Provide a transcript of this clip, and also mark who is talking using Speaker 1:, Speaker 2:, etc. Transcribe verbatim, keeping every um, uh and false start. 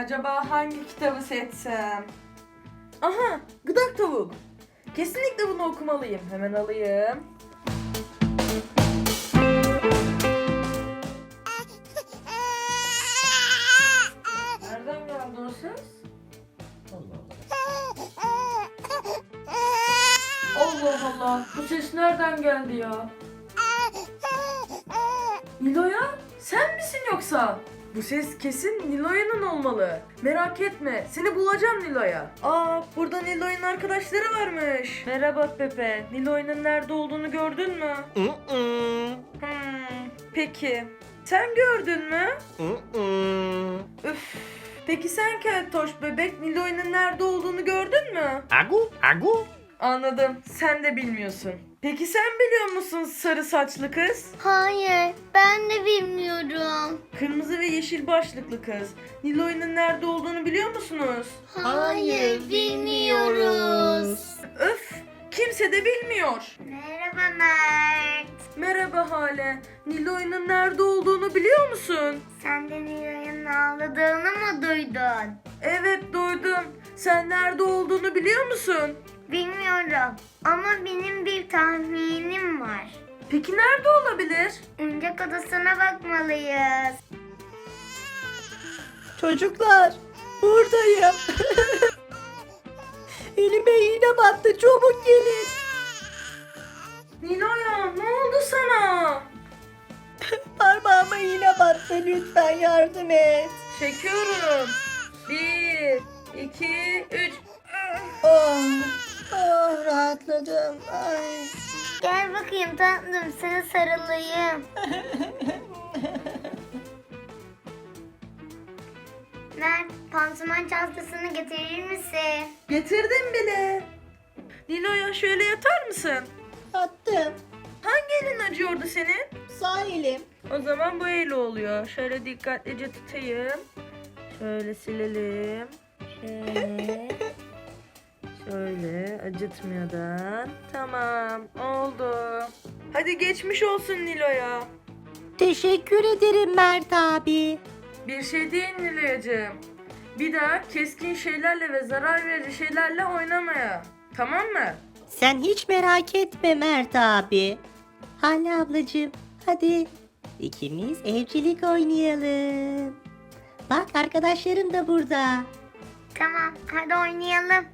Speaker 1: Acaba hangi kitabı seçsem? Aha, Gıdak Tavuk. Kesinlikle bunu okumalıyım. Hemen alayım. Nereden geldi o ses? Allah Allah, bu ses nereden geldi ya? Nilo'ya? Sen misin yoksa? Bu ses kesin Nilo'yanın olmalı. Merak etme, seni bulacağım Nilo'ya. Aa, burada Nilo'nun arkadaşları varmış. Merhaba Pepe, Nilo'nun nerede olduğunu gördün mü? Hmm, peki. Sen gördün mü? Üf. Peki sen Keltoş bebek, Nilo'nun nerede olduğunu gördün mü?
Speaker 2: Agu, agu.
Speaker 1: Anladım, sen de bilmiyorsun. Peki sen biliyor musun sarı saçlı kız?
Speaker 3: Hayır, ben de bilmiyorum.
Speaker 1: Kırmızı ve yeşil başlıklı kız. Nilo'nun nerede olduğunu biliyor musunuz?
Speaker 3: Hayır, bilmiyoruz.
Speaker 1: Öf! Kimse de bilmiyor.
Speaker 3: Merhaba Mert.
Speaker 1: Merhaba Hale. Nilo'nun nerede olduğunu biliyor musun?
Speaker 3: Sen de Nilo'nun ağladığını mı duydun?
Speaker 1: Evet duydum. Sen nerede olduğunu biliyor musun?
Speaker 3: Bilmiyorum ama benim bir tahminim var.
Speaker 1: Peki nerede olabilir?
Speaker 3: Oyuncak odasına bakmalıyız.
Speaker 4: Çocuklar, buradayım. Elime iğne battı, çabuk gelin.
Speaker 1: Nilo'ya ne oldu sana?
Speaker 4: Parmağıma iğne battı, lütfen yardım et.
Speaker 1: Çekiyorum. Bir, iki, üç.
Speaker 4: Oh, oh rahatladım. Ay.
Speaker 3: Gel bakayım tatlım, sana sarılayım. Mert, pansuman çantasını getirir misin?
Speaker 1: Getirdim bile. Nilo'ya şöyle yatar mısın?
Speaker 4: Yattım.
Speaker 1: Hangi elin acıyordu senin?
Speaker 4: Sağ elim.
Speaker 1: O zaman bu el oluyor. Şöyle dikkatlice tutayım. Şöyle silelim. Şöyle. Şöyle acıtmadan. Tamam oldu. Hadi geçmiş olsun Nilo'ya.
Speaker 4: Teşekkür ederim Mert abi.
Speaker 1: Bir şey değil Nilo'yacığım. Bir daha keskin şeylerle ve zarar verici şeylerle oynamaya. Tamam mı?
Speaker 4: Sen hiç merak etme Mert abi. Hale ablacığım, hadi ikimiz evcilik oynayalım. Bak arkadaşlarım da burada.
Speaker 3: Tamam, hadi oynayalım.